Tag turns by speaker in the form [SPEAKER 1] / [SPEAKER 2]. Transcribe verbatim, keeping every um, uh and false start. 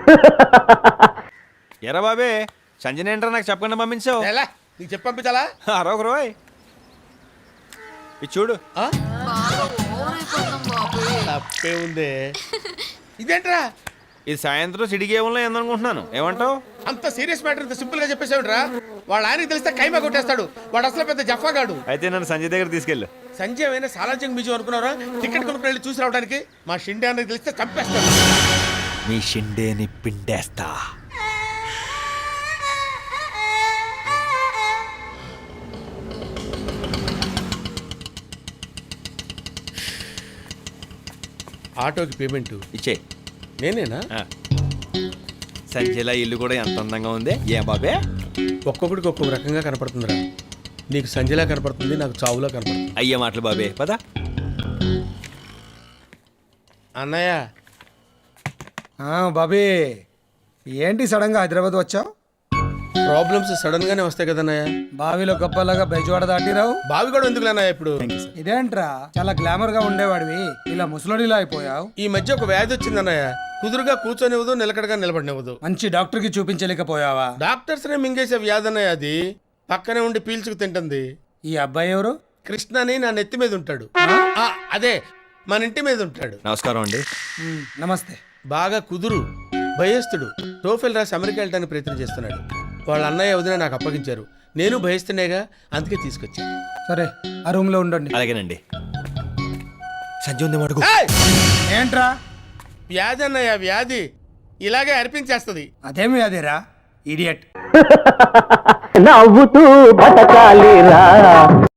[SPEAKER 1] ఎరా బాబే సంజయ్ ఏంట్రా నాకు చెప్పకుండా పంపించావు.
[SPEAKER 2] ఎలా నీకు చెప్పి పంపించాలా?
[SPEAKER 1] అరొక రోయ్ ఇది చూడు.
[SPEAKER 2] తప్పే ఉంది. ఇదేంట్రా?
[SPEAKER 1] ఇది సాయంత్రం సిటీ గేమ్లో ఏందనుకుంటున్నాను. ఏమంటావు?
[SPEAKER 2] అంత సీరియస్ మ్యాటర్ ఇంత సింపుల్ గా చెప్పేసావుట్రా. వాళ్ళ ఆయనకి తెలిస్తే కైమా కొట్టేస్తాడు. వాడు అసలు పెద్ద జఫాగాడు.
[SPEAKER 1] అయితే నన్ను సంజయ్ దగ్గర తీసుకెళ్ళు.
[SPEAKER 2] సంజయ్ అయినా సాలార్జంగ్ బీచ్ అనుకున్నారా? టికెట్ కొనుక్కుని వెళ్ళి చూసి రావడానికి. మా షిండే అన్నకి తెలిస్తే చంపేస్తాడు.
[SPEAKER 1] మీ షిండేని పిండేస్తా.
[SPEAKER 2] ఆటోకి పేమెంట్
[SPEAKER 1] ఇచ్చే.
[SPEAKER 2] నేనేనా?
[SPEAKER 1] సంజయ్లా ఇల్లు కూడా ఎంత అందంగా ఉంది. ఏ బాబే
[SPEAKER 2] ఒక్కొక్కడికి ఒక్కొక్క రకంగా కనపడుతుందిరా. నీకు సంజయ్లా కనపడుతుంది, నాకు చావులా కనపడుతుంది.
[SPEAKER 1] అయ్యే మాటలు బాబే పద.
[SPEAKER 2] అన్నయ్య.
[SPEAKER 3] బాబీ ఏంటి సడన్ గా హైదరాబాద్ వచ్చావు?
[SPEAKER 2] ప్రాబ్లమ్స్ సడన్ గానే వస్తాయి కదన్నయ్య.
[SPEAKER 3] బావిలో గొప్పలాగా బెజవాడ దాటిరావు.
[SPEAKER 2] బావి కూడా ఎందుకు అన్నయ్య ఇప్పుడు?
[SPEAKER 3] ఇదేంట్రా చాలా గ్లామర్ గా ఉండేవాడివి, ఇలా ముసలోడిలా అయిపోయావు.
[SPEAKER 2] ఈ మధ్య ఒక వ్యాధి వచ్చింది అన్నయ్య. కుదురుగా కూర్చొనివ్వదు, నిలకడగా నిలబడినివ్వదు.
[SPEAKER 3] మంచి డాక్టర్ కి చూపించలేకపోయావా?
[SPEAKER 2] డాక్టర్స్ నే మింగేసే వ్యాధి అన్నయ్య అది. పక్కనే ఉండి పీల్చుకు తింటుంది.
[SPEAKER 3] ఈ అబ్బాయి ఎవరు?
[SPEAKER 2] కృష్ణ అని నా నెత్తి మీద ఉంటాడు. ఆ, అదే మన ఇంటి మీద ఉంటాడు.
[SPEAKER 1] నమస్కారం అండి.
[SPEAKER 3] ఉమ్, నమస్తే.
[SPEAKER 2] బాగా కుదురు, భయస్తుడు. టోఫెల్ రాసి అమెరికా వెళ్ళడానికి ప్రయత్నం చేస్తున్నాడు. వాళ్ళ అన్నయ్య వదిన నాకు అప్పగించారు. నేను భయస్తుండేగా, అందుకే తీసుకొచ్చా.
[SPEAKER 3] సరే ఆ రూమ్ లో ఉండండి.
[SPEAKER 1] అలాగేనండి. సంజయ్ ఉంది మడుగు.
[SPEAKER 2] ఏయ్!
[SPEAKER 3] ఏంట్రా?
[SPEAKER 2] వ్యాధి అన్నయ్య, వ్యాధి ఇలాగే అర్పించేస్తుంది.
[SPEAKER 3] అదేమి అదేరా ఇడియట్.
[SPEAKER 4] నవ్వుతూ బతకాలిరా.